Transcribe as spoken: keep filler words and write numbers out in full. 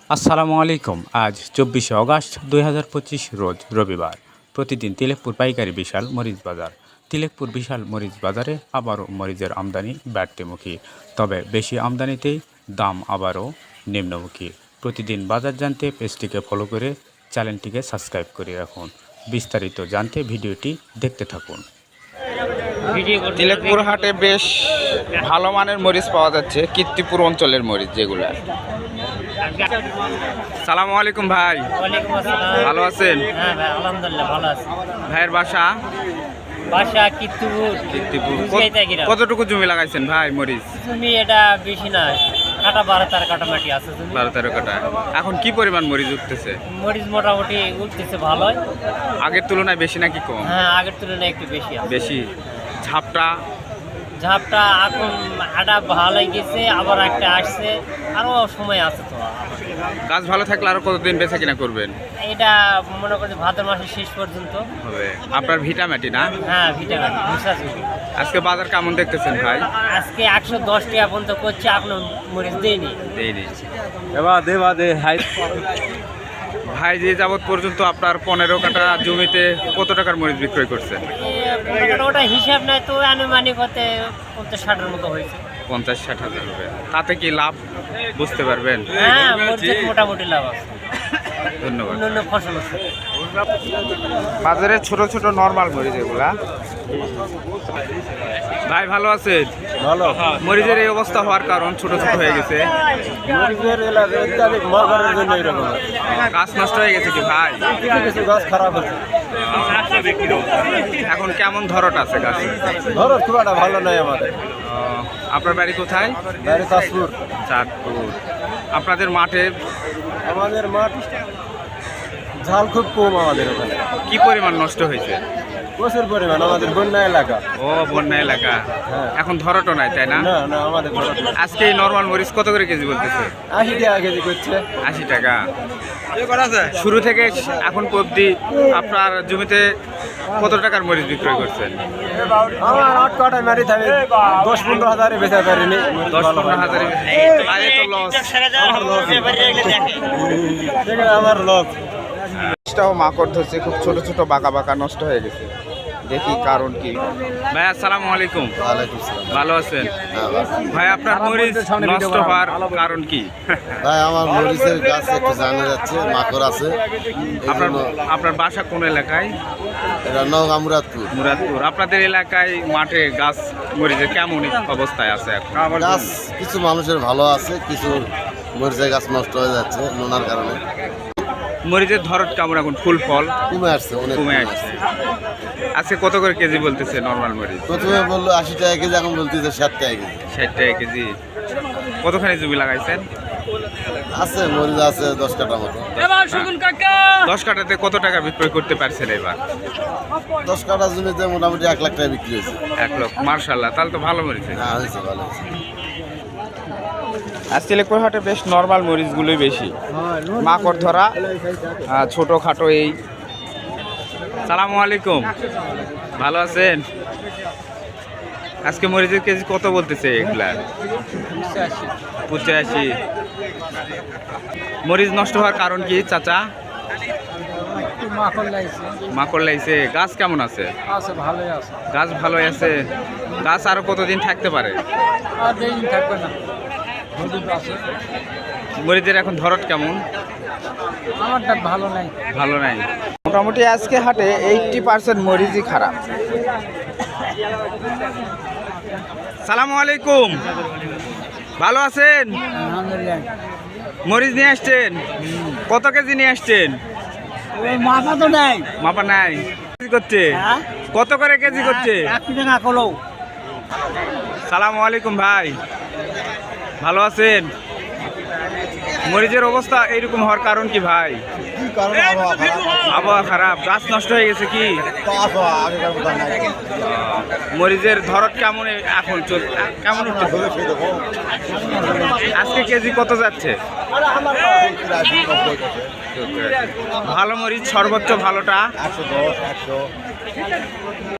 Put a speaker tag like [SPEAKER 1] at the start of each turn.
[SPEAKER 1] আসসালামু আলাইকুম। আজ চব্বিশে অগাস্ট দুই হাজার পঁচিশ রোজ রবিবার। প্রতিদিন তিলেকপুর পাইকারি বিশাল মরিচ বাজার। তিলেকপুর বিশাল মরিচ বাজারে আবারও মরিচের আমদানি বাড়তিমুখী, তবে বেশি আমদানিতেই দাম আবারও নিম্নমুখী। প্রতিদিন বাজার জানতে পেজটিকে ফলো করে চ্যানেলটিকে সাবস্ক্রাইব করে রাখুন। বিস্তারিত জানতে ভিডিওটি দেখতে থাকুন।
[SPEAKER 2] তিলেকপুর হাটে বেশ ভালো মানের মরিচ পাওয়া যাচ্ছে, কীর্তিপুর অঞ্চলের মরিচ যেগুলো। সালামু আলাইকুম ভাই।
[SPEAKER 3] ওয়ালাইকুম আসসালাম।
[SPEAKER 2] ভালো আছেন?
[SPEAKER 3] হ্যাঁ ভাই, আলহামদুলিল্লাহ ভালো আছি।
[SPEAKER 2] ভাইয়ের বাসা?
[SPEAKER 3] বাসা কীর্তিপুর।
[SPEAKER 2] কীর্তিপুর।
[SPEAKER 3] বুঝাইতে গিরা।
[SPEAKER 2] কতটুকু জমি লাগাইছেন ভাই মরিচ?
[SPEAKER 3] তুমি এটা বেশি না, কাটা বারো তার কাটা মাটি আছে তুমি।
[SPEAKER 2] বারো তেরো কাটা। এখন কি পরিমাণ মরিচ উঠতেছে?
[SPEAKER 3] মরিচ মোটামুটি উঠতেছে ভালোই।
[SPEAKER 2] আগের তুলনায় বেশি নাকি কম?
[SPEAKER 3] হ্যাঁ, আগের তুলনায় একটু বেশি আছে।
[SPEAKER 2] বেশি। ঝাপটা?
[SPEAKER 3] ঝাপটা এখন আটা ভালোই গেছে, আবার একটা আসছে, আরও সময় আছে তো।
[SPEAKER 2] গাছ ভালো থাকলে আরো কতদিন বেচা কিনা করবেন?
[SPEAKER 3] এটা মনে করি ভাদ্র মাসের শেষ পর্যন্ত
[SPEAKER 2] হবে। আপনার ভিটামাটি না?
[SPEAKER 3] হ্যাঁ, ভিটামিন ভুষা জমি।
[SPEAKER 2] আজকে বাজার কেমন দেখতেছেন ভাই?
[SPEAKER 3] আজকে একশো দশ টাকা পর্যন্ত করছে, এখনো মরিচ দেয়নি।
[SPEAKER 2] দেয়নি। ভাই যে যাবৎ পর্যন্ত আপনার পনেরো কাটা জমিতে কত টাকার মরিচ বিক্রয় করছেন?
[SPEAKER 3] ওটা হিসাব নাই তো, আনুমানিক হতে পঞ্চাশ ষাটের মতো হয়েছে।
[SPEAKER 2] পঞ্চাশ ষাট হাজার রুপিয়া। তাতে কি লাভ বুঝতে পারবেন?
[SPEAKER 3] হ্যাঁ, মরিচের মোটামুটি লাভ আছে।
[SPEAKER 2] ধন্যবাদ।
[SPEAKER 3] অন্যান্য ফসল আছে।
[SPEAKER 2] বাজারে ছোট ছোট নরমাল মরিচ এগুলা। ভাই ভালো আছেন?
[SPEAKER 4] ভালো।
[SPEAKER 2] মরিচের এই অবস্থা হওয়ার কারণ ছোট ছোট হয়ে গেছে।
[SPEAKER 4] মরিচের এলাকা অত্যাধিক মরগারের জন্য এরকম হয়।
[SPEAKER 2] গাছ নষ্ট হয়ে গেছে কি ভাই?
[SPEAKER 4] কিছু কিছু গাছ খারাপ হচ্ছে।
[SPEAKER 2] এখন কেমন ধরট আছে গাছ?
[SPEAKER 4] ধরো খুব একটা ভালো নয় আমাদের।
[SPEAKER 2] আপনার বাড়ি কোথায়?
[SPEAKER 4] বাড়ি চাঁদপুর।
[SPEAKER 2] চাঁদপুর। আপনাদের মাঠে
[SPEAKER 4] আমাদের মাঠ ঝাল খুব কম আমাদের ওখানে।
[SPEAKER 2] কি পরিমাণ নষ্ট হয়েছে?
[SPEAKER 4] প্রচুর পরিমাণ, আমাদের বন্যা এলাকা।
[SPEAKER 2] ও, বন্যা এলাকা।
[SPEAKER 4] হ্যাঁ।
[SPEAKER 2] এখন ধরটও নাই তাই না?
[SPEAKER 4] না না, আমাদের ধরো না।
[SPEAKER 2] আজকে এই নরমাল মরিচ কত করে কেজি বলতেছে?
[SPEAKER 4] আশি টাকা কেজি করছে।
[SPEAKER 2] আশি টাকা। শুরু থেকে এখন অবধি আপনার জমিতে কত টাকার মরিচ বিক্রয় করছেন?
[SPEAKER 4] আমার আট কাটায় মারি থাকে দশ পনেরো হাজারে বেচা পারিনি।
[SPEAKER 2] দশ পনেরো হাজারে। আরে তো লস।
[SPEAKER 4] আমার লস।
[SPEAKER 2] গাছটাও মাকড় ধরছে, খুব ছোট ছোট বাঁকা বাঁকা নষ্ট হয়ে গেছে। দেখি কারণ কি। ভাই আসসালামু আলাইকুম।
[SPEAKER 5] ওয়ালাইকুম সালাম।
[SPEAKER 2] ভালো আছেন?
[SPEAKER 5] হ্যাঁ ভাই।
[SPEAKER 2] ভাই আপনার মরিচ নষ্ট হওয়ার কারণ কি?
[SPEAKER 5] ভাই আমার মরিচের গাছ একটু জানা যাচ্ছে, মাকড় আছে। এই
[SPEAKER 2] আপনার
[SPEAKER 5] জন্য
[SPEAKER 2] আপনার বাসা কোন এলাকায়?
[SPEAKER 5] এটা নওগাঁ মুরাদপুর।
[SPEAKER 2] মুরাদপুর। আপনাদের এলাকায় মাঠে গাছ মরিচের কেমন অবস্থায় আছে এখন?
[SPEAKER 5] গাছ কিছু মানুষের ভালো আছে, কিছু মরিচের গাছ নষ্ট হয়ে যাচ্ছে নোনার কারণে।
[SPEAKER 2] মরিচের ধরত কেমন এখন? ফুল ফল
[SPEAKER 5] কমে আসছে, অনেক
[SPEAKER 2] কমে
[SPEAKER 5] কমে
[SPEAKER 2] আসছে।
[SPEAKER 5] আসছে।
[SPEAKER 2] আজকে কত করে কেজি বলতেছে নরমাল মরিচ?
[SPEAKER 5] প্রথমে বললো আশি টাকা কেজি, এখন বলতেছে ষাট টাকা কেজি।
[SPEAKER 2] ষাট টাকা কেজি। কতখানি জমি লাগাইছেন?
[SPEAKER 5] আছে মরিচ আছে দশ কাটা মতো।
[SPEAKER 2] দশ কাটাতে কত টাকা বিক্রয় করতে পারছেন এবার?
[SPEAKER 5] দশ কাটা জমিতে মোটামুটি এক লাখ টাকা বিক্রি হয়েছে।
[SPEAKER 2] এক লক্ষ। মার্শাল্লাহ, তাহলে তো ভালো মরিচ।
[SPEAKER 5] হ্যাঁ হয়েছে, ভালো হয়েছে।
[SPEAKER 2] আজ তিলেকপুর হাটে বেশ নর্মাল মরিচগুলোই বেশি। মাকড় ধরা, ছোট খাটো এই। সালামু আলাইকুম। ভালো আছেন? আজকে মরিচের কেজি কত বলতেছে এগুলা? পঁচাশি। মরিচ নষ্ট হওয়ার কারণ কি চাচা? মাকড় লাইছে। গাছ কেমন আছে? গাছ ভালোই আছে। গাছ আরো কতদিন থাকতে পারে? মরিচের এখন ধরত কেমন?
[SPEAKER 3] ভালো নাই।
[SPEAKER 2] ভালো নাই। মোটামুটি আজকে হাটে এইটটি পার্সেন্ট মরিচই খারাপ। সালামু আলাইকুম। ভালো আছেন? মরিচ নিয়ে আসছেন? কত কেজি নিয়ে আসছেন?
[SPEAKER 3] মাপা তো নাই।
[SPEAKER 2] মাপা নাই। কেজি করছে? কত করে কেজি করছে? সালামু আলাইকুম ভাই। ভালো আছেন? মরিচের অবস্থা এইরকম হওয়ার কারণ কি ভাই? আবহাওয়া খারাপ। গাছ নষ্ট হয়ে গেছে কি? মরিচের ধরত কেমন এখন চল কেমন উঠছে? আজকে কেজি কত যাচ্ছে? ভালো মরিচ সর্বোচ্চ ভালোটা